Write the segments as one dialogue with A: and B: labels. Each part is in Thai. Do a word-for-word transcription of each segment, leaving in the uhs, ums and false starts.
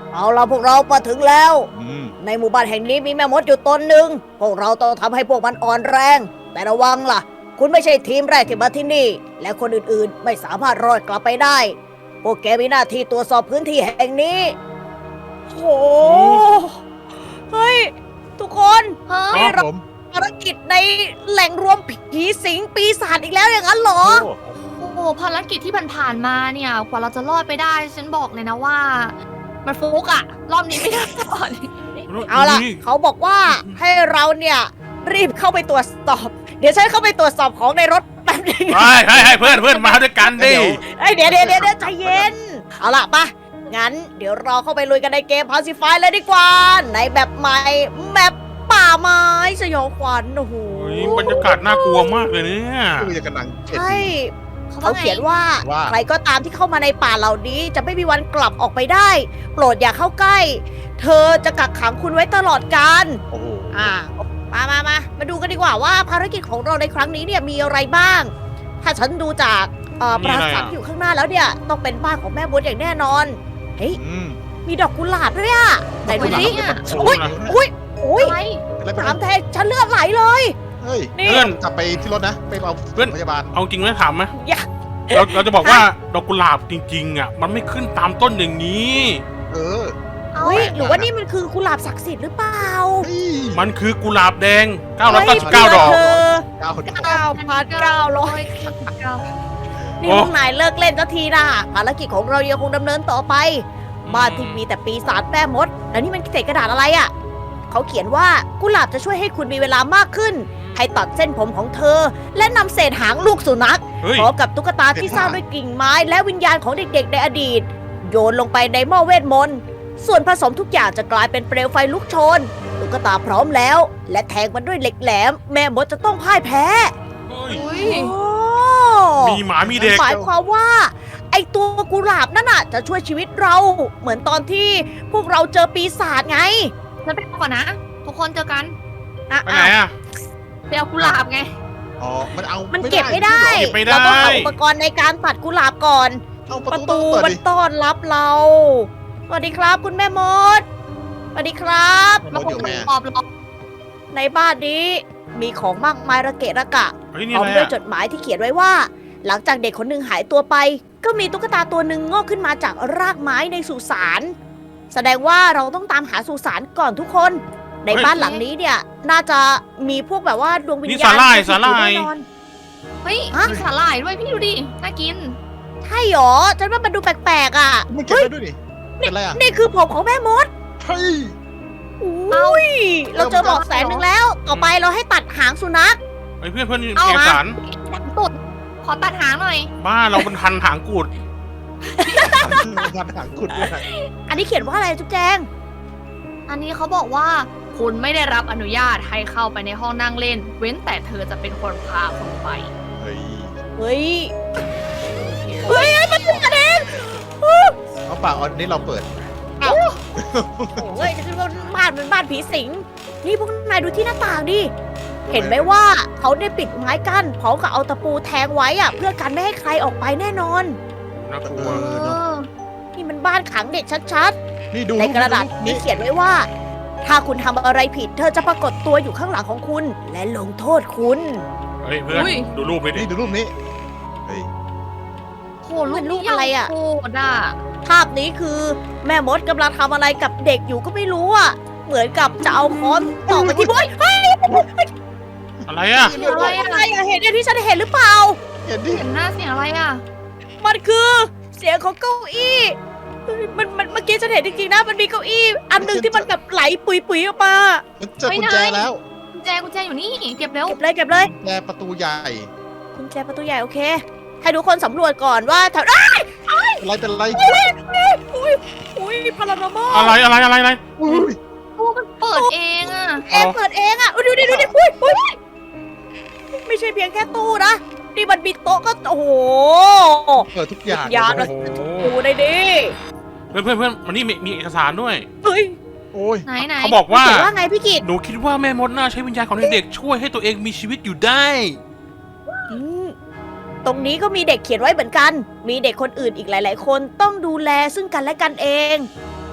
A: เอาล่ะพวกเรามาถึงแล้ว
B: อืม
A: ในหมู่บ้านแห่งนี้มีแม่มดอยู่ตนหนึ่งพวกเราต้องทำให้พวกมันอ่อนแรง แต่ระวังล่ะ คุณไม่ใช่ทีมแรกที่มาที่นี่ และคนอื่นๆ ไม่สามารถรอดกลับไปได้ พวกแกมีหน้าที่ตรวจสอบพื้นที่แห่งนี้โหเฮ้ย ทุกคน
C: เฮ้ย
B: ครับผม
A: ภารกิจในแหล่งรวมผีสิงปีศาจอีกแล้วอย่างนั้นเหรอ
B: โอ้
C: โอ้โหภารกิจที่ผ่านๆมาเนี่ยกว่าเราจะรอดไปได้ ฉันบอกเลยนะว่า มันฟุกอะรอบนี้ไม่ได้รอด
A: เอาล่ะ เขาบอกว่าให้เราเนี่ยรีบเข้าไปตรวจสอบ เดี๋ยวฉันเข้าไปตรวจสอบของในรถแป๊บนึง
D: ให้ให้ให้เพื่อนเพื่อนมาด้วยกันดิ
A: เอ้ยเดี๋ยวเดี๋ยวเดี๋ยวเดี๋ยวใจเย็น เอาล่ะปะงั้นเดี๋ยวเราเข้าไปลุยกันในเกม Pacify เลยดีกว่า ในแบบใหม่แมปป่าไม้สยองขวัญโอ้โห
D: เฮ้ยบรรยากาศน่ากลัวมากเลยเนี่ย
B: คือจะกำลังเข็ด
A: ใช่
C: เขา
A: เขา
C: ว่าไง
A: เขียนว่า
B: ว่า
A: ใครก็ตามที่เข้ามาในป่าเหล่านี้ จะไม่มีวันกลับออกไปได้ โปรดอย่าเข้าใกล้ เธอจะกักขังคุณไว้ตลอดกาล
B: โอ้โห
A: อ่ามามามามาดูกันดีกว่าว่าภารกิจของเราในครั้งนี้เนี่ยมีอะไรบ้าง ถ้าฉันดูจากเอ่อปราสาทที่อยู่ข้างหน้าแล้วเนี่ยต้องเป็นบ้านของแม่มดอย่างแน่นอน เฮ้ย
B: อืม
A: มีดอกกุหลาบด้วยอะไหนดูสิ
C: เนี่ย
A: อุ้ยอุ้ยอุ้ย
C: อะไร
B: อะไรเป็น
A: สามแทงฉันเลือดไหลเลย
B: เฮ้ย
A: นี่
D: เพื่อน
B: กลับไปที่รถนะ ไปเอา
D: เพื่อน
B: พยาบาล
D: เอาจริงไหมถามไหม
A: อย่า
D: เราเราจะบอกว่าดอกกุหลาบจริงๆอ่ะมันไม่ขึ้นตามต้นอย่างนี้
B: เออ
C: เอา
A: เฮ้ยหรือว่านี่มันคือกุหลาบศักดิ์สิทธิ์หรือเปล่า
B: เฮ้ย
D: มันคือกุหลาบแดงเก้าร้อยเก้าสิบเก้า
A: ฮ้ย
D: ดอก
A: เธอ
B: เก้าคน
A: เก้าพันเก้าร้อย
C: เก้า
A: นี่พวกนายเลิกเล่นสักทีนะภารกิจของเรายังคงดำเนินต่อไป บ้านที่มีแต่ปีศาจแม่มด แล้วนี่มันเศษกระดาษอะไรอะ่ะ เขาเขียนว่ากุหลาบจะช่วยให้คุณมีเวลามากขึ้น ให้ตัดเส้นผมของเธอ และนำเศษหางลูกสุนัข
D: เฮ้ย
A: พร้อมกับตุ๊กตาที่สร้างด้วยกิ่งไม้ และวิญญาณของเด็กๆในอดีต โยนลงไปในหม้อเวทมนต์ ส่วนผสมทุกอย่างจะกลายเป็นเปลวไฟลุกโชน ตุ๊กตาพร้อมแล้ว และแทงมันด้วยเหล็กแหลม แม่มดจะต้องพ่ายแพ้
D: เฮ้ย
C: อุ้ย
A: โอ้
D: มีหมามีเด็ก
A: หมายความว่า ไอตัวกุหลาบนั่นน่ะ จะช่วยชีวิตเรา เหมือนตอนที่พวกเราเจอปีศาจไง
C: ฉันไปก่อนนะ ทุกคนเจอกัน
A: อ่ะ
D: ไปไหนอ่ะ
C: ไปเอากุหลาบไง
B: อ๋อ มันเอา
A: มันเก็บไม่ได้
D: เก็บไม่ได้
A: เราต้องหาอุปกรณ์ในการตัดกุหลาบก่อน
B: เอาป
A: ประ ระ
B: ตู
A: ตู
B: เปิด
A: มัน
B: ดิ
A: ต้อนรับเรา สวัสดีครับคุณแม่มด สวัสดีครับ
B: มัน
C: มา
B: อยู่แม่
C: ขอบหรอก
A: ในบ้านนี้มีของมากมายระเกะระกะ
D: เฮ้ย
A: พ
D: นี่
A: ร้อ
D: อะ
A: ม
D: ไร
A: ด้วย
D: อ่ะ
A: จดหมายที่เขียนไว้ว่า หลังจากเด็กคนหนึ่งหายตัวไป ก็มีตุ๊กตาตัวหนึ่งงอกขึ้นมาจากรากไม้ในสุสาน แสดงว่าเราต้องตามหาสุสานก่อนทุกคน ในบ้านหลังนี้เนี่ย น่าจะมีพวกแบบว่าดวงวิญ
D: นี่
A: ญา
D: สา
A: ณ
D: หร่าย
A: สิง
D: สาหร่า
A: อยู่
D: ย
A: แน่นอน
C: เฮ้ย
A: ฮะ
C: มีสาหร่ายด้วยพี่ดูดิ น่ากิน
A: ใช่หรอฉันว่ามันดูแปลกๆอ่ะ
B: มันเก็บได้ด้วยดิเป็นไรอ่ะ
A: นี่คือผมของแม่มด
B: เฮ้ย
A: อุ้ย เราเจอเบอกแสนหนึ่งแล้ว ต่อไปเราให้ตัดหางสุนัข
D: เฮ้ยเพื่อนเพื่อน
C: เอา
D: เอกสาร
C: ดังตุดขอตัดหางหน่อย
D: บ้าเราเป็นทันหางกูด
B: มันหางขุดด้วยนะ
A: อันนี้เขียนว่าอะไรจุ๊บแจง
C: อันนี้เขาบอกว่า คุณไม่ได้รับอนุญาตให้เข้าไปในห้องนั่งเล่น เว้นแต่เธอจะเป็นคนพาคุณไป
B: เฮ้ย
A: เฮ้ย เฮ้ย มันเป็นกระเด็น
B: เอาปากอันนี้เราเปิด
A: โอ้ยจะเป็นบ้านเป็นบ้านผีสิง นี่พวกนายดูที่หน้าต่างดิ เห็นไหมว่าเขาได้ปิดไม้กั้นพร้อมกับเอาตะปูแทงไว้อะเพื่อกันไม่ให้ใครออกไปแน่นอน
D: น่ากลั
B: เอ
D: ว
B: อเนอะ
A: นี่มันบ้านขังเด็กชัด
B: นี่ดู
A: ๆ ในกระดาษนี้เขียนไว้ว่า ถ้าคุณทำอะไรผิด เธอจะปรากฏตัวอยู่ข้างหลังของคุณ และลงโทษคุณ
D: เฮ้ยเพื่อน
C: อุ้ย
D: ดูรูปไปดิ
B: นี่ดูรูปนี้ เฮ้ย
C: โหลูก
A: มันรู
C: นี้
A: ปอะไรอะ
C: โคตรอ่ะ
A: ภาพนี้คือแม่มดกำลังทำอะไรกับเด็กอยู่ก็ไม่รู้อ่ะ เหมือนกับจะเอาค้อนตอกไปที่บ้านเฮ้ย
D: อะไรอ่ะ
C: เสียงอะไรอ่ะ
A: อะไรอะเห็นอย่างที่ฉันเห็นหรือเปล่า
B: เห็นดิ
C: เห็นหน้าเสียงอะไรอ่ะ
A: มันคือเสียงของเก้าอี้เฮ้ยมันมันเมื่อกี้ฉันเห็นจริงๆนะ มันมีเก้าอี้ อันหนึ่งที่มันแบบไหลปุยๆออกมา
B: มันเจอกุญแจแล้ว
C: กุญแจกุญแจอยู่นี่ เก็บเร็ว
A: เก็บเลยเก็บเลย
B: กุญแจประตูใหญ่
A: กุญแจประตูใหญ่โอเค ให้ทุกคนสำรวจก่อนว่าแถวอ้าย
B: อะไรเป็นไร
A: อุ้ยอุ้ยพาราโนมอ
D: อะไรอะไรอะไรอะไร
B: อุ้ย
C: ตู้มันเปิดเองอ่ะ
A: เองเปิดเองอ่ะอุ๊ยดูดิดูดิอุ้ยอุ้ยไม่ใช่เพียงแค่ตู้นะนี่มันมีโต๊ะก็โอ้โห
B: เปิดทุกอย่าง
A: ยาน
B: เล
A: มาย
D: โอ้โห
A: ดูได้ดิ
D: เพื่อนเพื่อนเพื่อนมันนี่มีมีเอกสารด้วย
A: เฮ้ย
B: โอ้ย
C: ไหนไหน
D: เขาบอกว่า
A: เขียนว่าไงพี่กิต
D: หนูคิดว่าแม่มดน่าใช้วิญญาณของเด็กๆช่วยให้ตัวเองมีชีวิตอยู่ได้
A: อืมตรงนี้ก็มีเด็กเขียนไว้เหมือนกัน มีเด็กคนอื่นอีกหลาย ๆ คนต้องดูแลซึ่งกันและกันเอง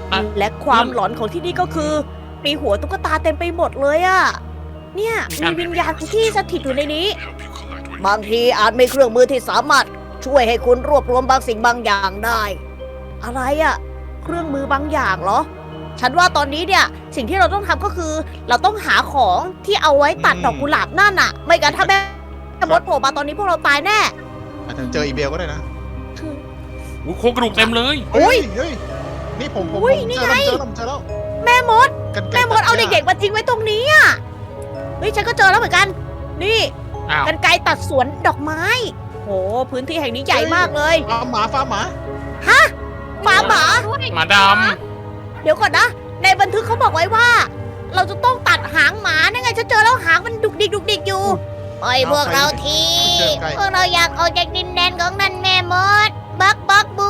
D: อ่ะ
A: และความหลอนของที่นี่ก็คือ มีหัวตุ๊กตาเต็มไปหมดเลยอะเนี่ยมีวิญญาณที่สถิตอยู่ในนี้ บางทีอาจมีเครื่องมือที่สามารถช่วยให้คุณรวบรวมบางสิ่งบางอย่างได้ อะไรอะเครื่องมือบางอย่างเหรอ ฉันว่าตอนนี้เนี่ยสิ่งที่เราต้องทำก็คือ เราต้องหาของที่เอาไว้ตัดดอกกุหลาบนั่นน่ะ ไม่งั้นถ้าแม่มดโผล่มาตอนนี้พวกเราตายแน่
B: อาจจะเจออีเบลก็ได้นะ
D: อุ้ยโครงกระดูกเต็มเลย
A: อุ๊
B: เฮ้
A: ย
B: ยเฮ้ยนี่ผมผม
A: อุ๊ย
B: ผม
A: นี่
B: เจอ
A: ไง
B: แล้วเจอแล้วเจอแล้ว
A: แม่มด
B: กรรไกร
A: แม่มดเอา
B: ตัหญ้
A: เด็กๆมาทิ้งไว้ตรงนี้อ่ะเฮ้ยฉันก็เจอแล้วเหมือนกัน นี่
D: อ้าว
A: กันไกรตัดสวนดอกไม้โหพื้นที่แห่งนี้ใหญ่มากเลย
B: ฟาร์มหมาฟาร์มหมา
A: ฟาร์มหมา
C: ด้วย
D: หมาด
A: เดี๋ยวก่อนนะ ในบันทึกเขาบอกไว้ว่า เราจะต้องตัดหางหมานั่นไงฉันเจอแล้วหางมันดุกดิกดุกดิกอยู่ปล่อยพวกเราทีพวกเราอยากออกจากดินแดนของนั่นแม่มด บักบักบู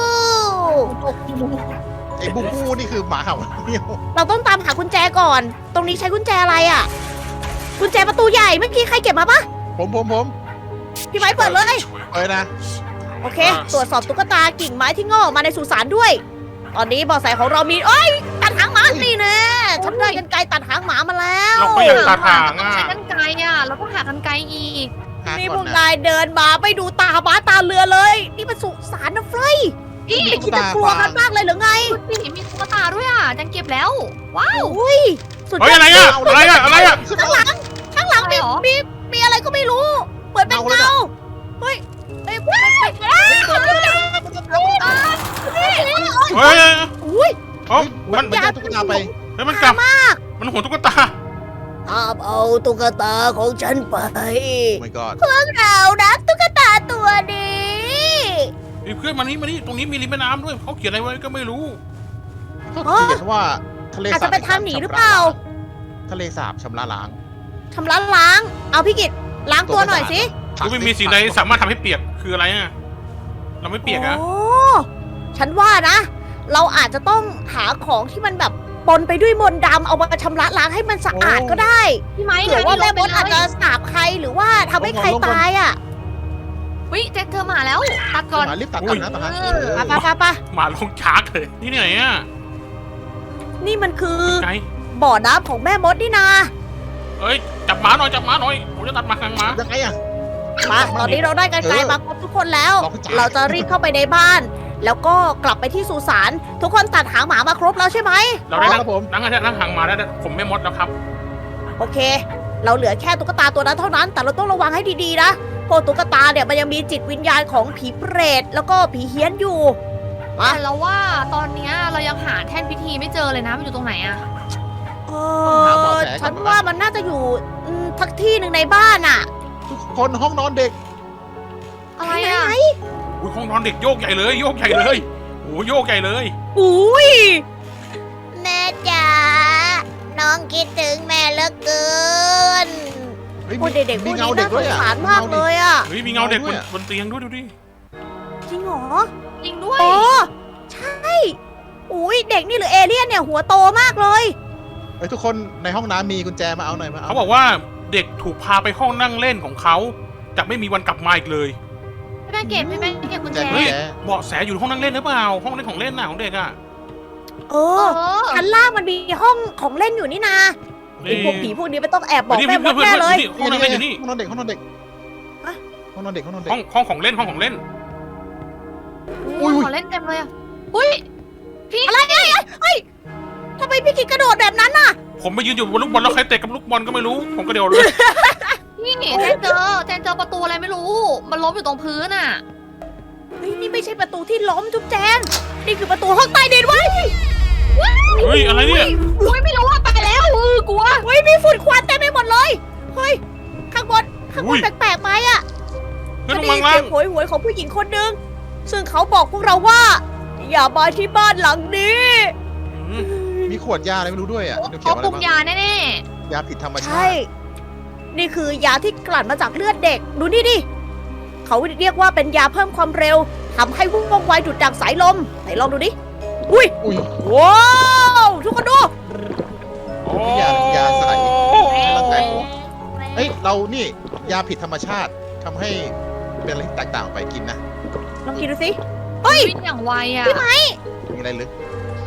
B: ไอ้บูบูนี่คือหมาเห่าเมียว
A: เราต้องตามหากุญแจก่อน ตรงนี้ใช้กุญแจอะไรอ่ะ กุญแจประตูใหญ่เมื่อกี้ใครเก็บมาปะ
B: ผมผมผม
A: พี่ไม้เปิดเลย
B: เอ้ยนะ
A: โอเค ตรวจสอบตุ๊กตากิ่งไม้ที่งอกออกมาในสุสานด้วย ตอนนี้เบอแสของเรามีเอ้ย ตัดหางหมานี่แน่ฉันได้กันไกรตัดหางหมามาแล้ว
D: ำเราก็อยากตัดหาง
C: ต้อง
D: อ่ะ
C: ใช้กันไกรอ่ะเราต้องหากันไกรอีก
B: หา
A: นี่
B: ก่
A: พ
B: อ
A: วก
B: นะ
A: นายเดินมาไปดูตาบ้าตาเรือเลย นี่มันสุสานนะเฟรย
C: พี่
A: ไม่คิดจะกลัวกันมากเลยหรือไง
C: ดูสิมีตุ๊กตาด้วยอ่ะจังเก็บแล้ว ว้าว
A: อุ้ยสุด
D: เฮ้ย
A: ยอด
D: อะไรอ่ะอะไรอ่ะอะไรอ่ะ
B: ขึ้น
A: ข้าง
B: มา
A: หลัง ข้างหลังมี
C: อะไรหรอ
A: มีมีอะไรก็ไม่รู้ เหมือนเป็น
B: เงาเลย
A: เงา
B: อะ
A: เฮ้ยเฮ้ยเฮ้ยเฮ้ยเฮ้ย
D: เฮ้ย
A: อุ้ย
D: เอ้ามัน
B: มันจะตุ๊กตาไป
D: เฮ้ยมันกลับมันหัวตุ๊กตา
A: ห้ามเอาตุ๊กตาของฉันไป
B: โอ้ my god
A: เรารักตุ๊กตาตัวนี้
D: มีเพื่อนมานี่มานี่ตรงนี้มีริมแม่น้ำด้วยเขาเขียนอะไรไว้ก็ไม่รู้
B: เขาเขียนว่าทะเล
A: อาจ
B: สา
A: จะ
B: บ
A: เป็นทางหนีหรือเปล่า
B: ทะเลสาบชำระล้าง
A: ทำร้านล้าง เอาพี่กิตล้างตัวหน่อยสิ
D: กูไม่มีสิ่งใดสามารถทำให้เปียกคืออะไรอ่ะเราไม่เปียกอะ
A: โอ้ฉันว่านะ เราอาจจะต้องหาของที่มันแบบปนไปด้วยมนต์ดำเอามาชำระล้างให้มันสะอาดก็ได้
C: พี่ไม้
A: เผื่อว่าแม่มดอาจจะ
C: ลงไปเลย
A: สาบใครหรือว่าทำให้ใครตายอ่ะ
C: วิแจ็คเธอมาแล้วตัดก่อน
B: หมารีบตัดก่อนนะตัดนะ
C: เอ
B: เอ
C: อ
B: อ
A: ไปไปไป
D: หมาลงชาร์กเลยนี่ไหนอ่ะ
A: นี่มันคือ
D: ไง
A: บ่อน้ำของแม่มดนี่นา
D: เอ้ยจับหมาหน่อยจับหมาหน่อยผมจะตัดหมาหางหมา
B: ยังไงอะ
A: มาตอนนี้เราได้กันไกลมาครบทุกคนแล้ว
B: ลองจ่าย
A: เราจะรีบเข้าไปในบ้าน แล้วก็กลับไปที่สุสานทุกคนตัดหางหมามาครบแล้วใช่ไหม
D: เราได้
B: ค
D: นั่
B: รับ
D: ง
B: ผม
D: นั่งนั่งหางหมาได้ผมไม่มดแล้วครับ
A: โอเค เราเหลือแค่ตุ๊กตาตัวนั้นเท่านั้น แต่เราต้องระวังให้ดีๆนะเพราะตุ๊กตาเนี่ยมันยังมีจิตวิญญาณของผีเปรตแล้วก็ผีเฮี้ยนอยู่ มา
C: แต่เราว่าตอนเนี้ยเรายังหาแท่นพิธีไม่เจอเลยนะมันอยู่ตรงไหนอะ
A: เออฉันว่ามันน่าจะอยู่อืมทักที่หนึ่งในบ้านอ่ะ
B: ทุกคนห้องนอนเด็ก
C: อะไรอะ
A: ไหน
D: อุ้ยห้องนอนเด็กโยกใหญ่เลยโยกใหญ่เลยโอ้โยกใหญ่เลย
A: ๆอุ้ยแม่จ๋าน้องคิดถึงแม่เหลือเกิน
B: เฮ้ย
A: โอ้ยเด็กๆพ
B: มี
A: วก
B: เงา
A: นี้
B: เด็
A: น่าก ส
B: ด้วย
A: ง
B: อะ
A: สารมากเลยอ่ะ
D: เฮ้ยมีเงาเด็กบ
B: ด้วย
D: น
B: อะ
D: บนเตียงด้วยดูดิ
A: จริงเหรอ
C: จริงด้วย
A: โอ้ใช่อุ้ยเด็กนี่หรือเอเลี่ยนเนี่ยหัวโตมากเลย
B: เฮ้ยทุกคนในห้องน้ำมีกุญแจมาเอาหน่อยมาเอา
D: เขาบอกว่าเด็กถูกพาไปห้องนั่งเล่นของเขาจะไม่มีวันกลับมาอีกเลย
C: พี่แม่เก็บพี่แม่เก็บกุญ
B: แจ
C: แจ
B: กุญแจ
D: เบาะแสอยู่ห้องนั่งเล่นหรือเปล่าห้องเล่นของเล่นน่ะของเด็กอ่ะ
A: เอ
C: เอ
A: อ
C: อ
A: ชั้นล่างมันมีห้องของเล่นอยู่นี่นาไอ้พวกผีพวกนี้ไม่ต้องแอบบอก
D: นี่
A: แม่มด
D: เพื่อน
A: แน่
D: เพื่อน
A: เลย
D: นี่ห้องนั่งเล่นอยู่นี่
B: ห้องนอนเด็กห้องนอนเด็ก
A: ฮะ
B: ห้องนอนเด็กห้องนอนเด็ก
D: ห้องห้องของเล่นห้องของเล่น
B: อุ้ย
C: ขอเล่นเต็มเลยอะอุ้ยพี่
A: อะไรเนี่ยเฮ้ยทำไมพี่กิดกระโดดแบบนั้นน่ะ
D: ผมไปยืนอยู่บนลูกบอลแล้วใครเตะกับลูกบอลก็ไม่รู้ ผมก็เดียวเลย
C: พี่แจนเจอแจนเจอประตูอะไรไม่รู้ มันล้มอยู่ตรงพื้นอะ
A: เฮ้ยนี่ไม่ใช่ประตูที่ล้มจุ๊บแจงนี่คือประตูห้องใต้ดินเว้ย
D: เฮ้ยอะไรเนี่ย
C: อุ้ยไม่รู้ว่าไปแล้วเออกลัว
A: เฮ้ยมีฝุ่นควันเต็มไปหมดเลยเฮ้ยข้างบนข้างบ
D: อุ้
A: น
D: ย
A: แปลกๆไหมอะ
D: เพื่อน
A: ฉัน
D: ล
A: ได้
D: ง
A: ยิ
D: มาน ล่า
A: เสีย
D: ง
A: งโหยหวยของผู้หญิงคนหนึ่งซึ่งเขาบอกพวกเราว่า อย่ามาที่บ้านหลังนี้
D: อืม
B: มีขวดยาอะไรไม่รู้ด้วยอ่ะเดี๋ยวเขีย
C: เขา
B: นอะไร
C: ปรุง
B: บ้าง
C: ยาแน่
B: ยาผิดธรรมชา
A: ใช่
B: ติ
A: นี่คือยาที่กลั่นมาจากเลือดเด็ก ดูนี่ดิ เขาเรียกว่าเป็นยาเพิ่มความเร็วทำให้ว่องไวดุดดังสายลม ไหนลองดูดิ อุ้ย
B: อุ้ย
A: ว้าวทุกคนดู
D: โอ้
B: ยายาใส่ ร่างกายผม เอ้ยเรานี่ยาผิดธรรมชาติทำให้เป็นอะไรที่แตกต่างออกไปกินนะ
A: ลองกินดูสิ
C: ๆวิ่งอย่างไวอะ
A: พี่ไม้
B: มีอะไรลึก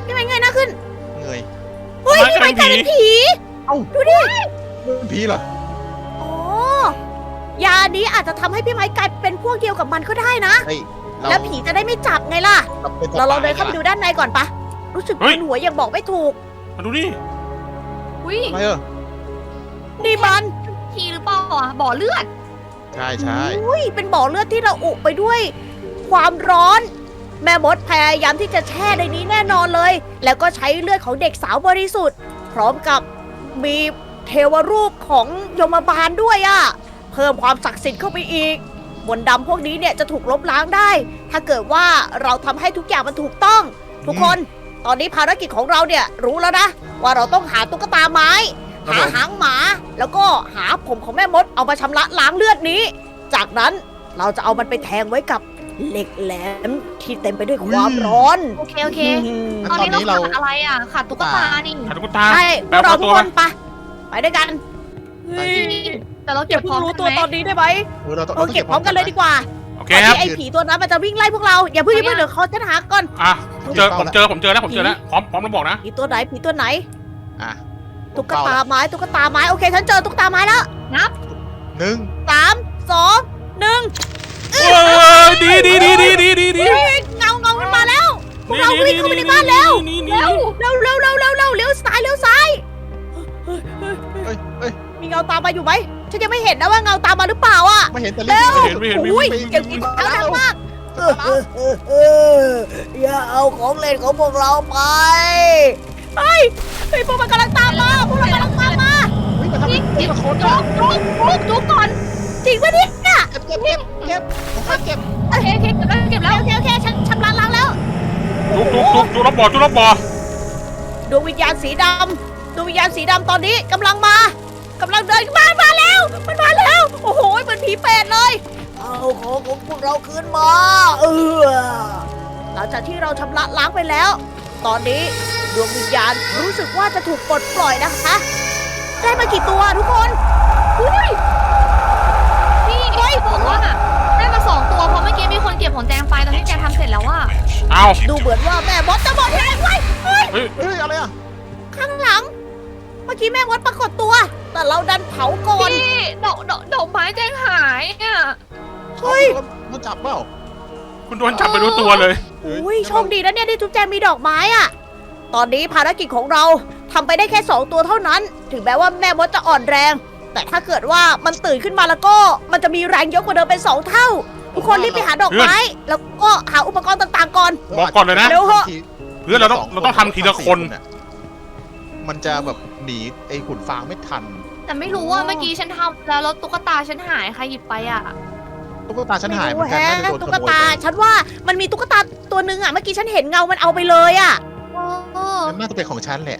A: พี่ไม้เงยหน้าขึ้น
B: เงย
A: เฮ้ยพี่ไม้กลายเป็นผี
B: เอ้า
A: ดูดิ
B: เป็นผีเหรอ
A: อ๋อยานี้อาจจะทำให้พี่ไม้กลายเป็นพวกเดียวกับมันก็ได้นะ
B: เฮ้ยเรา
A: แล้วผีจะได้ไม่จับไงล่ะ
B: เราเป็น
A: เราลองเดินเข้าไปดูด้านในก่อนปะรู้สึกมึนหัวยังบอกไม่ถูก
D: มาดูนี่
C: อุ้ย
B: อะไรเออ
A: นี่มัน
C: ทีหรือเปล่าอ่ะบ่อเลือด
B: ใช่ใช่
A: อุ้ยเป็นบ่อเลือดที่เราอุไปด้วย ความร้อน แม่มดพยายามที่จะแช่ในนี้แน่นอนเลย แล้วก็ใช้เลือดของเด็กสาวบริสุทธิ์ พร้อมกับมีเทวรูปของยมบาลด้วยอะเพิ่มความศักดิ์สิทธิ์เข้าไปอีกมนต์ดำพวกนี้เนี่ยจะถูกลบล้างได้ ถ้าเกิดว่าเราทำให้ทุกอย่างมันถูกต้อง ทุกคน ตอนนี้ภารกิจของเราเนี่ยรู้แล้วนะ ว่าเราต้องหาตุ๊กตาไม้ หาหางหมา แล้วก็หาผมของแม่มดเอามาชำระล้างเลือดนี้ จากนั้นเราจะเอามันไปแทงไว้กับเหล็กแหลมที่เต็มไปด้วยความร้อน
C: โอเคโอเค
B: งั้น
C: ตอน
B: ตอน
C: นี้เรา
B: นี้เรา
C: ขาดอะไรอ่ะขาดตุ๊กตานี่
D: หาตุ๊กตา
A: ใช่พ
D: แปล
A: วกเรา
D: ว่า
A: ทุ
D: ตั
A: ก
D: ว
A: คนไปไปด้วยกัน
B: ไป
C: แต่เรา
A: อ
C: เก็บ
A: ย่า
C: พร้อ
A: เพิ่ง
C: ม
A: รู้
C: กัน
A: ตัว
C: ไหม
A: ตอนนี้ได้ไหม
B: เออเราต้อง
A: เราเก็บพร้อมกันเลยดีกว่า
D: โอเค
A: ก่อน
D: ครับ
A: ที่ไอ้ผีตัวนั้นมันจะวิ่งไล่พวกเราอย่าเพิ่งอย่าเพิ่งเดี๋ยวเขาฉันหาก่อน
D: อ่ะผมเจอผมเจอผมเจอแล้วผมเจอแล้วพร้อมพร้อมแล้วบอกนะ
A: ผีตัวไหนผีตัวไหน
B: อ่ะ
A: ตุ๊กตาไม้ตุ๊กตาไม้โอเคฉันเจอตุ๊กตาไม้แล้ว
C: นับ
B: หนึ่ง
A: สามสองหนึ่ง
D: โอ้ยดีดีดีดีดีดีดี
A: เฮ้ยเงาเงามันมาแล้วพวกเราวิ่งเข้าไปในบ้านแล้ว
D: นี่
A: เร็วเร็วเร็วเร็วเร็วเร็วเลี้ยวซ้ายเลี้ยวซ้าย
B: เอ้ยเอ้ย
A: มีเงาตามมาอยู่ไหมฉันยังไม่เห็นนะว่าเงาตามมาหรือเปล่าอ่ะ
B: ไม่เห็นแต่
A: เร็ว
B: รีบ
D: ไม่เห็นไม่เห็นไม่
A: อุ้ย
D: เห็น
A: เสียงกินข้าวดังมากเออเออเออเอออย่าเอาของเล่นของพวกเราไปเฮ้ยเฮ้ยพวกมันกำลังตามมาพวกเรากำลังตามมา
B: เฮ้ยมาทำเป็นทีละคน
C: จุ
B: นะ
C: กจุกจุกจุกก่อน
A: จริงปะเนี่ย
B: เก็บเก็บเก็บเก็บผมค่อยเก็บ
C: โอเคโอเคเก็บแล้วเก็บแล้ว
A: โอเคโอเคฉันชำระล้างแล้ว
D: จุกจุกจุกจุกรอบบ่อจุกรอบบ่อ
A: ดวงวิญญาณสีดำดวงวิญญาณสีดำตอนนี้กำลังมากำลังเดินมามาแล้วมันมาแล้วโอ้โหเหมือนผีเปรตเลยเอาของของพวกเราคืนมาเออหลังจากที่เราชำระล้างไปแล้ว ตอนนี้ดวงวิญญาณรู้สึกว่าจะถูกปลดปล่อยนะคะได้มากี่ตัวทุกคนอุ้ย
C: พี่เฮ้ยบอกว่าได้มาสองตัวเพราะเมื่อกี้มีคนเก็บของแจงไปตอนที่แจงทำเสร็จแล้วว่า
D: เอา
A: ดูเหมือนว่าแม่มดจะหมดแรงไว้เฮ้ย
D: เฮ้ย
B: เฮ้ยอะไรอ่ะ
A: ข้างหลัง เมื่อกี้แม่มดปรากฏตัว แต่เราดันเผาก่อน
C: พี่ดอกดอกดอกไม้แจงหายอ่ะ
A: เฮ้ย
B: มันจับเปล่า
D: คุณโดนจับไปรู้ตัวเลย
A: อุ้ยโชคดีนะเนี่ยที่จุ๊บแจงมีดอกไม้อะตอนนี้ภารกิจของเราทำไปได้แค่สองตัวเท่านั้น ถึงแม้ว่าแม่มดจะอ่อนแรง แต่ถ้าเกิดว่ามันตื่นขึ้นมาแล้วก็มันจะมีแรงเยอะกว่าเดิมเป็นสองเท่า ทุกคนรีบไปหาดอกไม้ แล้วก็หาอุปกรณ์ต่างๆก่อน
D: บอกก่อนเลยนะ
A: เร็วเหอะ
D: เพื่อนเราต้องเราต้องทำทีละคน
B: มันจะแบบหนีไอ้ขุนฟางไม่ทัน
C: แต่ไม่รู้ว่าเมื่อกี้ฉันทำแล้วแล้วตุ๊กตาฉันหายใครหยิบไปอ่ะ
B: ตุ๊กตาฉันหายเหมื
A: ไม่
B: อนกัน
A: รู้
B: น่าจะ
A: แฮะ
B: โดน
A: ตุ๊
B: ข
A: ก
B: โมย
A: ตา
B: ไป
A: ฉันว่ามันมีตุ๊กตาตัวหนึงอะเมื่อกี้ฉันเห็นเงามันเอาไปเลยอะ
C: เออ
B: มันน่าจะเป็นของฉันแหละ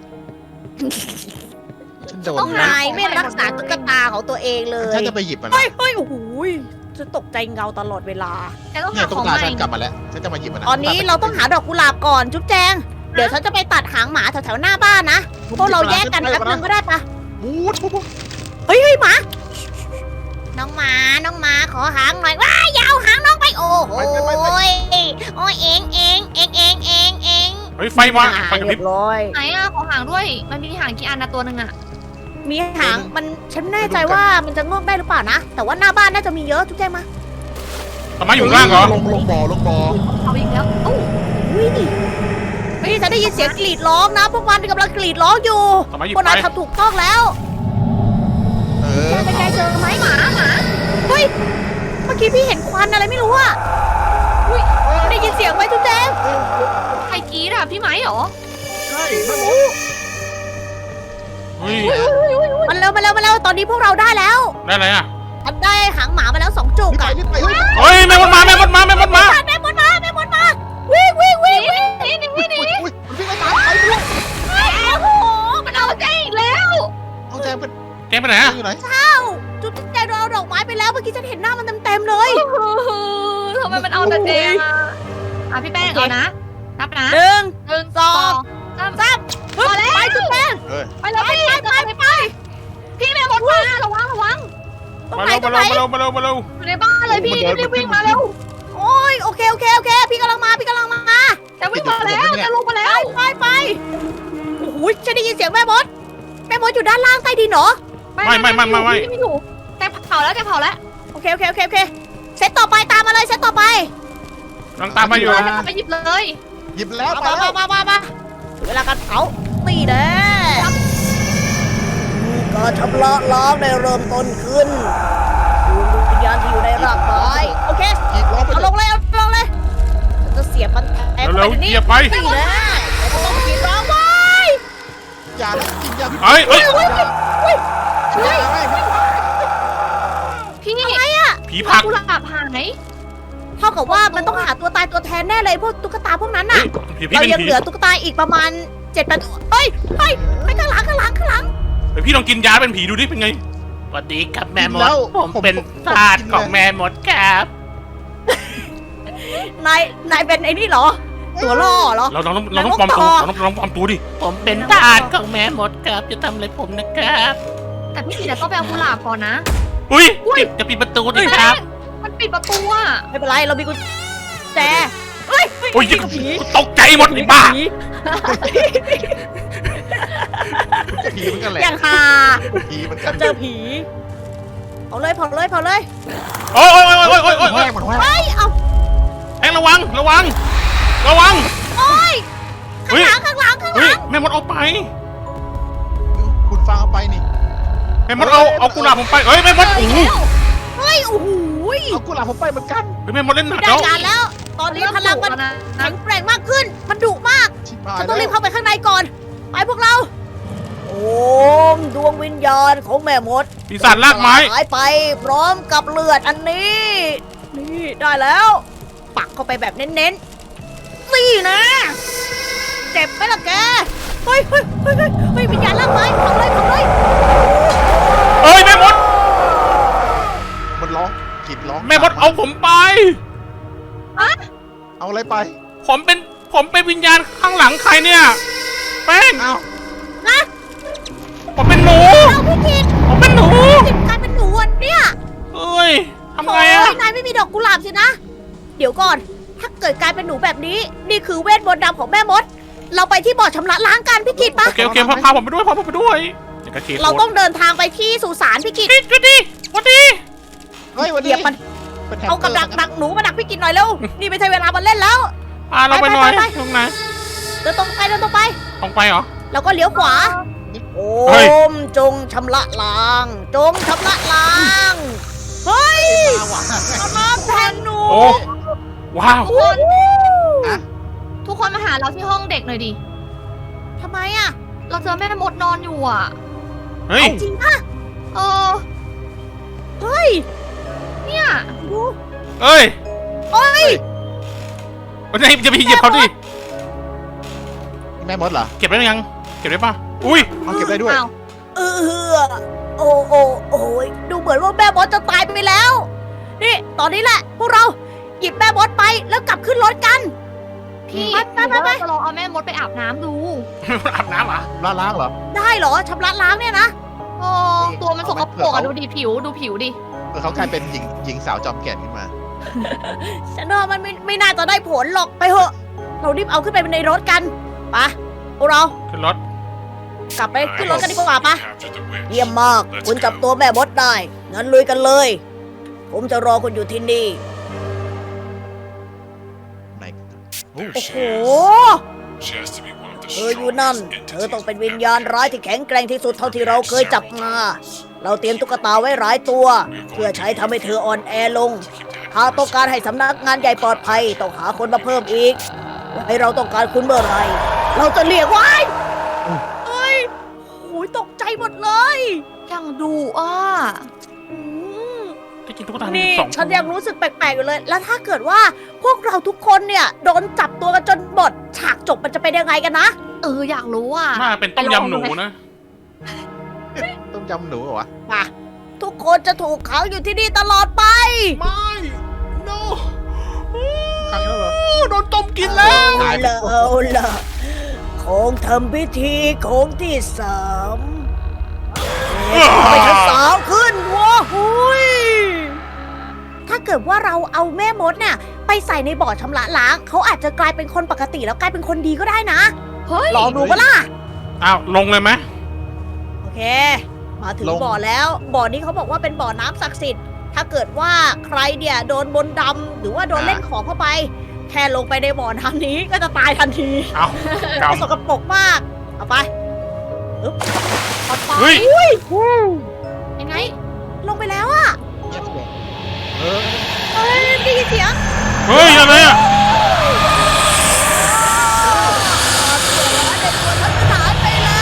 B: ฉันโดน
A: ต้อง
B: นะ
A: นายไม่รักษาตุ๊กตาของตัวเองเลย
B: ฉันจะไปหยิบมัน
A: เฮ้
B: นะ
A: ยเฮ้ยโอ้โหยฉันตกใจเงาตลอดเวลา
C: แจงต้อง
B: เนี่
C: หาย
B: ตุ๊
C: ข
B: ก
C: อง
B: ตา
C: ใหม่
B: ฉันกลับมาแล้ว ฉันจะมาหยิบมันนะ
A: ตอนนี้เราต้องหาดอกกุหลาบก่อนจุ๊บแจง เดี๋ยวฉันจะไปตัดหางหมาแถวๆหน้าบ้านนะ พวกเราแยกกันแป๊บนึงก็ได้ปะ
B: บูดบูดบูด
A: เฮ้ยเฮ้ยหมา น้องหมา น้องหมาขอหางหน่อยว้ายอยาวหางน้องไปโอ้โหยโอ้ยเองเองเองเองเองเอง
D: เฮ้ยไฟมาไฟกระพริบ
A: เรียบร้อย
C: ไหนอ่ะขอหางด้วย มันมีหางกี่อันนะตัวหนึ่งอ่ะ
A: มีหางมันฉันไม่แน่ใจว่ามันจะงอกได้หรือเปล่านะ แต่ว่าหน้าบ้านน่าจะมีเยอะจุ๊บแจงมา
D: ทำไมอยู่ข้างล่างเหรอ
B: ลงลงบ่อลงบ่อ
C: เอาอีกแล้วโอ้
A: อุ้ยเฮ้ยฉันได้ยินเสียงกรีดร้องนะ พวกมันกำลังกรีดร้องอยู่
D: ทำไมหยิบ
A: พวก
D: ไป
A: นายทำถูกต้องแล้ว
B: เออ
A: แกไปไกลเจอไหมหมาหมาเฮ้ย เมื่อกี้พี่เห็นควันอะไรไม่รู้อะอุ้ยได้ยินเสียงไหมจุ๊บแจง
C: ใครกรีดอ่ะพี่ไม้เหรอ
B: ใช่แม่มด
D: เฮ้ย
A: มันเร็วมาเร็วมาเร็วตอนนี้พวกเราได้แล้ว
D: ได้อะไรอ่ะ
A: ฉันได้หางหมามาแล้วสองจุก
B: รีบไป
A: อะ
B: รีบไปเฮ้ย
D: เฮ้ยแม่มดมาแม่มดมาแม่มดมา
A: แม่มดมาแม่มดมาวิ่งวิ่งวิ่งวิ่ง
C: นี่นี่นี่นี่
B: อุ้ยมันวิ่งไล่ตามไปด้วย
A: โอ้โห
C: มันเอาแจงอีกแล้ว
B: เอาแจมเป็น
D: แกไปไหนอ่ะ
B: อยู่ไหน
A: เอ้าจุ๊บแจงโดนเอาดอกไม้ไปแล้วเมื่อกี้ฉันเห็นหน้ามันเต็มๆเลย
C: ทำไมมันเอาแต่แจงอ่ะอ่ะพี่แป้งเอานะ นับนะ
A: หนึ่ง
C: หนึ่ง
A: สอง
C: สาม
A: สามฮึบไปจุ๊บแจง
B: เออ
C: ไปเลยพี่ไปไปไปพี่แม่หมดมาระวังระวัง
A: ตรง
D: มา
A: ไหน
D: เร็ว
A: ตร
D: มาง
A: ไหน
D: เร็วมาเร็วมาเร็วมาเร็ว
C: อยู่ในบ้านเลยพี่รีบวิ่งมาเร็ว
A: โอ้ยโอเคโอเคโอเคพี่กำลังมาพี่กำลังมา
C: จะวิ่งมาแล้วจะลงมาแล้ว
A: ไปไปโอ้โหฉันได้ยินเสียงแม่มดแม่มดอยู่ด้านล่างใต้ดินเหรอ
D: ไม่ไม่ไม่ไม่ไม่
C: ไม่อยู่แต่เผาแล้วแต่เผาแล้ว
A: โอเคโอเคโอเคโอเคเซตต่อไปตามมาเลยเซตต่อไป
D: กำลังตามมาอยู่
C: ไปหยิบเลย
B: หยิบแล้วไป
A: มา
B: แล้ว
A: มามามาถึงเวลาการเผานี่แน่การชำระล้างได้เริ่มต้นขึ้นดวงวิญญาณที่อยู่ในร่างกายโอเค
B: หยิบล้อไป
A: เอา
B: เล
A: ล
B: ย
A: งเลยเอาลงเลยจะเสียบมันแทง
D: เร็ว
A: ไป
D: ๆ
A: นี้
D: เหยียบไป
A: นี่แน่เราต้องกินร้องไว้
B: อย่ากินยาพิษ
D: เอ้ยเอ้ย
A: เฮ้ยเฮ้ยเฮ้ย
B: ไม่ไม่
C: พี่
A: อะไรอะ
D: ผีผัก
C: กุหลาบหาย
A: เท่ากับว่ามันต้องหาตัวตายตัวแทนแน่เลยพวกตุ๊กตาพวกนั้น
D: เฮ้
A: น่ะ
D: ยผีพี่
A: เรา
D: เป็น
A: ยัง
D: ผี
A: เหลือตุ๊กตาอีกประมาณเจ็ดแปดตัวเฮ้ยเฮ้ยไปข้างหลังข้างหลังข้างหลัง
D: เฮ้ยพี่ลองกินยาเป็นผีดูดิเป็นไง
E: สวัสดีครับแม่ม
B: แล้
E: ด
B: ว
E: ผมเป็นทาสของแม่มดครับ
A: นายนายเป็นไอ้นี่เหรอ ตัวล่อเหรอ
D: เราเราต้องเราต้องปลอมตัวเราต้องเราต้องปลอมตัวดิ
E: ผมเป็นทาสของแม่มดครับจะทำอะไรผมนะครับ
C: แต่พี่สีแต่ต้องไปเอากุหลาบก่อนนะ
D: อุ้ย
E: ปิดจะปิดประตูดิครับ
C: มันปิดประตูอ่ะ
A: ไม่เป็นไรเรามีกุญแจเฮ้ย
D: โอ้ย
A: ผี
D: ตกใจหมดไอ้บ้า
A: ผี
B: ผีเหมือนกันแหละ
A: อย่างฮา
B: ผีเหมือนกัน
A: เจอผีเผาเลยเผาเลยเผาเลย
D: โอ้ยโอ้ยโอ้ยโอ้ยโอ้ยโอ้
B: แห้
D: ย
B: งมันแห้ง
A: เฮ้ยเอา
D: แองระวังระวังระวัง
A: โอ้ยข้าง
D: เฮ้ย
A: หลังข้างหลังข้างห
D: เฮ้
A: ลั
D: ย
A: ง
D: แม่มดเอาไป
B: คุณฟังเอาไปนี่
D: แม่มดเอาเอากุหลาบผมไปเฮ้ยแม่มดโอ้โห
A: เฮ้ยโอ้โห
B: เอากุหลาบผมไปเหมือนกัน
D: เฮ้ยแม่มดเล่นหนัก
A: ได้
D: แล้ว
A: การแล้ว ตอนนี้พลังมัน
C: นะ
A: แข็งแกร่งมากขึ้น มันดุมาก
B: ชิบหาย
A: ฉัน
B: แล้
A: ต้องรีบ
B: ว
A: เข้าไปข้างในก่อน ไปพวกเรา โอ้มดวงวิญญาณของแม่มด
D: ปีศาจลากไม้
A: หายไปพร้อมกับเลือดอันนี้ นี่ได้แล้ว ปักเข้าไปแบบเน้นๆนี่นะ เจ็บไหมล่ะแก เฮ้ยเฮ้ยเฮ้ยเฮ้ยเฮ้ยวิญญาณลากไม้เผาเลยเผาเลย
D: เฮ้ยแม่มด
B: มันร้องกรีดร้อง
D: แม่มดเอาผมไป
B: เอาอะไรไป
D: ผมเป็นผมเป็นวิญญาณข้างหลังใครเนี่ยแป้ง
B: เอา
A: นะ
D: ผมเป็นหนู
A: เอาพี่กิต
D: ผมเป็นหนู
A: กิตกลายเป็นหนูอ่ะเนี่ย
D: เอ้ยทำไงอะ
A: โยนายไม่มีดอกกุหลาบสินะ เดี๋ยวก่อน ถ้าเกิดกลายเป็นหนูแบบนี้ นี่คือเวทมนต์ดำของแม่มด เราไปที่บ่อชำระล้างกันพี่กิตปะ
D: โอเคโอเคพาพาผมไปด้วยพาผมไปด้วยเดี๋ยวกระเกด
A: เราต้องเดินทางไปที่สุสานพี่กิต
D: นี่จุดดีวันดี
B: เฮ้ยวัน
A: เห
B: นี้
A: ยียบมัน
B: เป็นแฮม
A: เอา
B: ส
A: กับ
B: เตอ
A: ดั
B: ร์
A: กดักหนูมาดักพี่กิตหน่อยเร็ว นี่ไม่ใช่เวลามาเล่นแล้ว
D: พาเราไปหน่อย
A: ไปไปไป
D: ตรงไหน
A: เดินตรงไปเดินตรงไป
D: ตรงไปเหรอ
A: แล้วก็เลี้ยวขวา โอ
D: เฮ้ย
A: มจงชำระล้าง จงชำระล้าง เฮ้ย
B: มาว่ะ
A: เอาน้ำแทนหนู
D: โอ้ว้าว
C: ทุกคน
B: อะ
C: ทุกคนมาหาเราที่ห้องเด็กหน่อยดิ
A: ทำไมอ่ะ
C: เราเจอแม่มดนอนอยู่อ่ะ
D: เฮ้ย
A: จริงป่ะ
C: เออ
A: เฮ้ย
C: เนี่ย
A: ดู
D: เอ้ย
A: เฮ้ย
D: วันนี้จะไปเหยียบเขาดิ
B: แม่มดเหรอ
D: เก็บได้ยังเก็บได้ปะอุ้ย
B: เอาเก็บได้ด้วย
C: อ้าว
A: เออโอ้โอ้โอ้ยดูเหมือนว่าแม่มดจะตายไปแล้ว นี่ ตอนนี้แหละ พวกเราหยิบแม่มดไปแล้วกลับขึ้นรถกัน
C: พี่
A: ไปไปไป
C: หรือว่าจะลองเอาแม่มดไปอาบน้ำดู
D: อาบน้ำเหรอ
B: ล้างล้างเหรอ
A: ได้เหรอชำระล้างเนี่ยนะ
C: โอ้ตัวมันสกปรก
B: เอา
C: อะ
B: ไหม
C: ดูดิผิวดูผิวดิ
B: เออเขากลายเป็นหญิงหญิงสาวจอมแก่นขึ้นมา
A: ฉันว่ามันไม่ไม่น่าจะได้ผลหรอกไปเถอะ เรารีบเอาขึ้นไปในรถกันไปะพวกเรา
D: ขึ้นรถ
A: กลับไปขึ้นรถกันดีกว่าปะเยี่ยมมาก คุณจับตัวแม่มดได้ งั้นลุยกันเลย ผมจะรอคุณอยู่ที่นี่
B: ไหน
A: โอ้โห เธออยู่นั่น เธอต้องเป็นวิญญาณร้ายที่แข็งแกร่งที่สุดเท่าที่เราเคยจับมา เราเตรียมตุ๊กตาไว้หลายตัว เพื่อใช้ทำให้เธออ่อนแอลง หากต้องการให้สำนักงานใหญ่ปลอดภัย ต้องหาคนมาเพิ่มอีก ให้เราต้องการคุณเมื่อไหรเราจะเรียกไว้เฮ้ยโอ้ยตกใจหมดเลย
C: ยังดูอ่ะ
A: อืม
D: ที่จริงตุ๊กตามี
A: นี่
D: สอง
A: ฉันยังรู้สึกแปลกๆอยู่เลย แล้วถ้าเกิดว่าพวกเราทุกคนเนี่ยโดนจับตัวกันจนหมด ฉากจบมันจะเป็นยังไงกันนะ
C: เอออยากรู้อ่ะ
D: น่าเป็นต้มยำหนูนะ
B: ต้มยำหนูเหรอวะ
A: มาทุกคนจะถูกขังอยู่ที่นี่ตลอดไป
D: ไม่ no
B: ครั้งแล้วเหรอ
D: โดนต้มกินแล้ว
A: เอาละเอาละของทำพิธีของที่สามเอ๊ะทำไมทั้งสามขึ้นวะหุยถ้าเกิดว่าเราเอาแม่มดเนี่ยไปใส่ในบ่อชำระล้าง เขาอาจจะกลายเป็นคนปกติแล้วกลายเป็นคนดีก็ได้นะ
C: เฮ้ย
A: ลองดูปะล่ะ
D: อ้าวลงเลยไหม
A: โอเค มาถึง
B: ลง
A: บ่อแล้ว บ่อนี้เขาบอกว่าเป็นบ่อน้ำศักดิ์สิทธิ์ ถ้าเกิดว่าใครเนี่ยโดนบนต์ดำหรือว่าโดนเล่นของเข้าไป แค่ลงไปในบ่อน้ำนี้ก็จะตายทันที
D: เอ้า
A: ส
D: กำ
A: กปรกมาก เอาไปอึ๊บเอาไป
D: เฮ้ย
A: อุ้ย
C: ยังไง
A: ลงไปแล้วอะ
B: เงียบเลยเออ
A: เฮ้ยได้ยินเสียง
D: เฮ้ยอะไรอ่ะ
A: เด็กตัวทัศนานไปแล้ว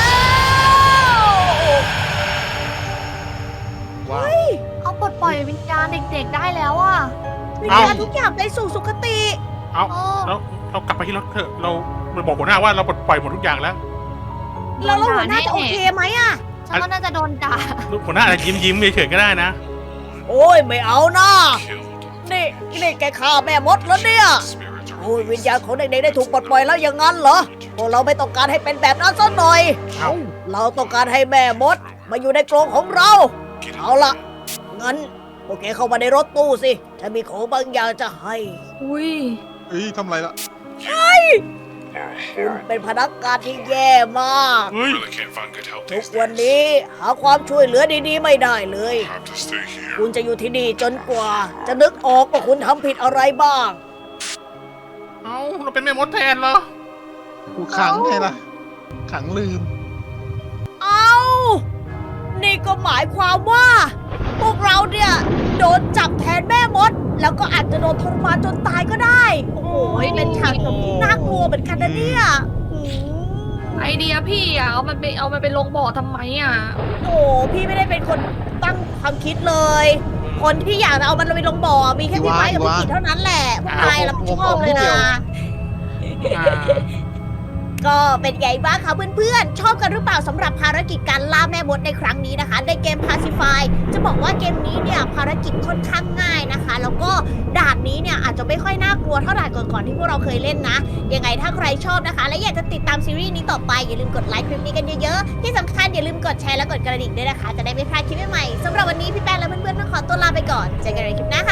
B: ว้าว
C: เอาปลดปล่อยวิญญาณเด็กๆได้แล้วอ่ะ
A: วิญญาณทุกอย่างไปสู่สุคติ
D: เอา
C: โอ้
D: เราเรากลับไปที่รถเถอะเราเราบอกหัวหน้าว่าเราปลดปล่อยหมดทุกอย่างแล้ว
A: แล้วเราหัวหน้าจะโอเคไหมอะ
C: ฉันว่าน่าจะโดนด่า
D: หัวหน้าอาจจะยิ้มยิ้มเฉยๆก็ได้นะ
A: โอ้ยไม่เอานะนี่นี่แกฆ่าแม่มดแล้วเนี่ย โอ้ยวิญญาณของเด็กๆได้ถูกปลดปล่อยแล้วอย่างนั้นเหรอพวกเราไม่ต้องการให้เป็นแบบนั้นสักหน่อย
D: เอ้า
A: เราต้องการให้แม่มด มาอยู่ในกรงของเรา เอาล่ะ งั้นโอเคเข้ามาในรถตู้สิฉันมีของบางอย่างจะให้
C: อุ้ย
B: เฮ้ยทำไรล่ะ
A: คุณเป็นพนักงานที่แย่มาก
D: เฮ้ย
A: ทุกวันนี้หาความช่วยเหลือดีๆไม่ได้เลย คุณจะอยู่ที่นี่จนกว่า จะนึกออกว่าคุณทำผิดอะไรบ้าง
D: เอ้าเราเป็นแม่มดแทนเหรอ
B: กูขังไงล่ะ ขังลืม
A: เอานี่ก็หมายความว่า พวกเราเนี่ยโดนจับแทนแม่มด แล้วก็อาจจะโดนทรมานจนตายก็ได้ โอ้โหเป็นฉากจบที่น่ากลัวเหมือนกันนะเนี่ยอืม
C: ไอเดียพี่อ่ะ เอามันไปเอามันไปลงบ่อทำไมอ่ะ
A: โอ้พี่ไม่ได้เป็นคนตั้งความคิดเลย คนที่อยากจะเอามันไปลงบ่อมีแค่พี่ไม้กับพี่กิจเท่านั้นแหละพวกนายรับผิดชอบเลยนะ
D: อ่า
A: ก็เป็นไงบ้างคะเพื่อนๆ ชอบกันหรือเปล่าสำหรับภารกิจการล่าแม่มดในครั้งนี้นะคะ ในเกม Pacify จะบอกว่าเกมนี้เนี่ยภารกิจค่อนข้างง่ายนะคะ แล้วก็ด่านนี้เนี่ยอาจจะไม่ค่อยน่ากลัวเท่าด่านก่อนๆที่พวกเราเคยเล่นนะ ยังไงถ้าใครชอบนะคะ และอยากจะติดตามซีรีส์นี้ต่อไปอย่าลืมกดไลค์คลิปนี้กันเยอะๆ ที่สำคัญอย่าลืมกดแชร์และกดกระดิ่งด้วยนะคะ จะได้ไม่พลาดคลิปใหม่ๆสำหรับวันนี้พี่แป้งและเพื่อนๆต้องขอตัวลาไปก่อนเจอกันในคลิปหน้า